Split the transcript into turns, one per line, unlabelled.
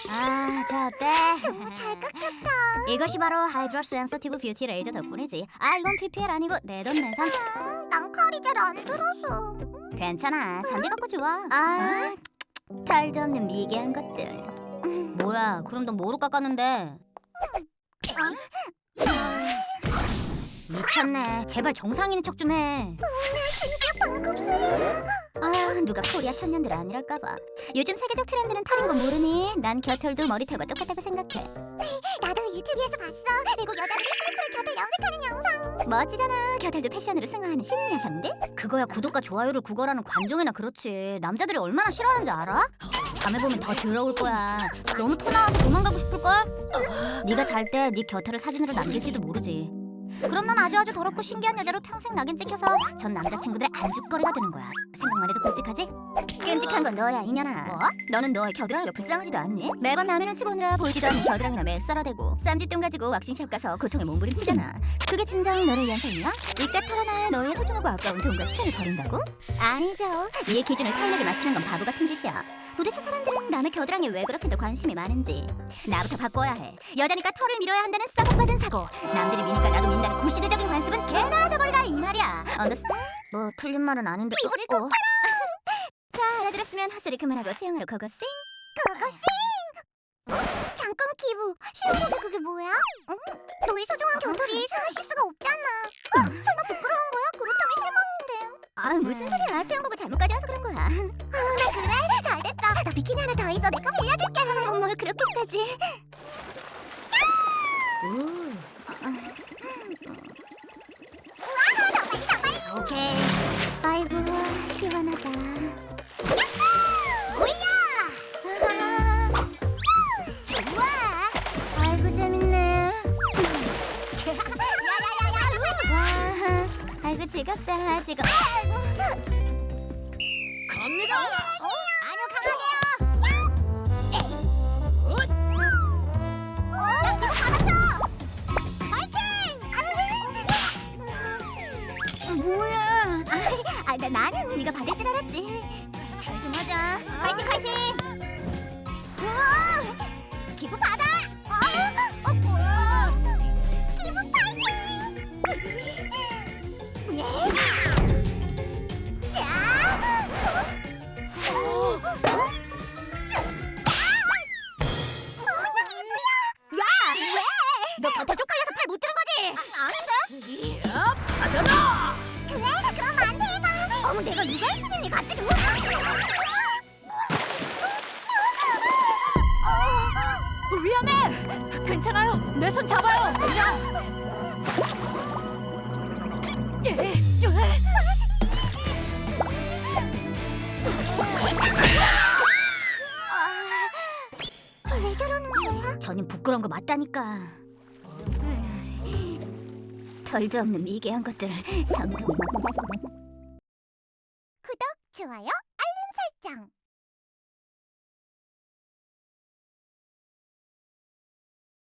자 어때?
정말 잘 깎였다.
이것이 바로 하이드로 센서티브 뷰티 레이저 덕분이지. 이건 PPL 아니고 내돈내산.
난 칼이 잘 안 들어서.
괜찮아, 잔디 갖고 좋아. 털도 없는 미개한 것들. 뭐야, 그럼 너 뭐로 깎았는데? 미쳤네. 제발 정상인인 척 좀 해.
진짜 방금 소리.
누가 코리아 천년들 아니랄까봐. 요즘 세계적 트렌드는 털인 거 모르니? 난 겨털도 머리털과 똑같다고 생각해.
나도 유튜브에서 봤어. 외국 여자들이 슬프로 곁을 염색하는 영상.
멋지잖아. 겨털도 패션으로 승화하는 신녀상들. 그거야 구독과 좋아요를 구걸하는 관종이나 그렇지. 남자들이 얼마나 싫어하는지 알아? 밤에 보면 더 더러울 거야. 너무 토 나와서 도망가고 싶을걸? 네가 잘 때 네 겨털을 사진으로 남길지도 모르지. 그럼 넌 아주 더럽고 신기한 여자로 평생 낙인 찍혀서 전 남자친구들의 안주거리가 되는 거야. 생각만 해도 끔찍하지? 끔찍한 건 너야, 이년아. 뭐? 너는 너의 겨드랑이가 불쌍하지도 않니? 매번 남의 눈치 보느라 보이지도 않는 겨드랑이나 매일 썰어대고 쌈짓돈 가지고 왁싱샵 가서 고통에 몸부림치잖아. 그게 진정 너를 위한 삶이야? 이때 털어놔야 너의 소중하고 아까운 돈과 시간을 버린다고? 아니죠. 네 기준을 타인에게 맞추는 건 바보 같은 짓이야. 도대체 사람들은 남의 겨드랑이에 왜 그렇게 더 관심이 많은지 나부터 바꿔야 해. 여자니까 털을 밀어야 한다는 썩어빠진 사고, 남들이 미니까 나도 민다는 구시대적인 관습은 개나 저버리라 이 말이야. 언더스탠? 뭐 틀린 말은 아닌데.
이불을 꼭
자, 알아들었으면 헛소리 그만하고 수영하러 고고싱.
고고싱. 잠깐 기부. 수영복이 그게 뭐야? 너의 소중한 겨털이 숨을 쉴 수가 없잖아. 설마 부끄러운 거야? 그렇다면 실망인데.
무슨 소리야. 수영복을 잘못 가져와서 그런 거야.
나 그래? 잘됐다. 나 비키니 하나 더 있어. 내 거 빌려줄게.
뭘 그렇게까지. 오케이. 아이고 시원하다.
오야!
좋아. 아이고 재밌네. 와, 아이고 즐겁다. 즐겁.
갑니다.
아니요, 강하게요. 야, 기분 받았어. 파이팅!
뭐야? 나는 네가 받을 줄 알았지. 잘 좀 하자. 파이팅 파이팅.
우와, 기분 받아. 기분 파이팅! 자.
너 겨털 쪽팔려서 팔 못 드는 거지?
아닌데?
자, 받아라.
그래? 그럼 나한테 해봐.
어머 내가 누가 해주니 갑자기?
위험해. 괜찮아요. 내 손 잡아요. 자.
왜 저러는 거야?
저는 부끄러운 거 맞다니까. 털도 없는 미개한 것들 성정.
구독, 좋아요, 알림 설정.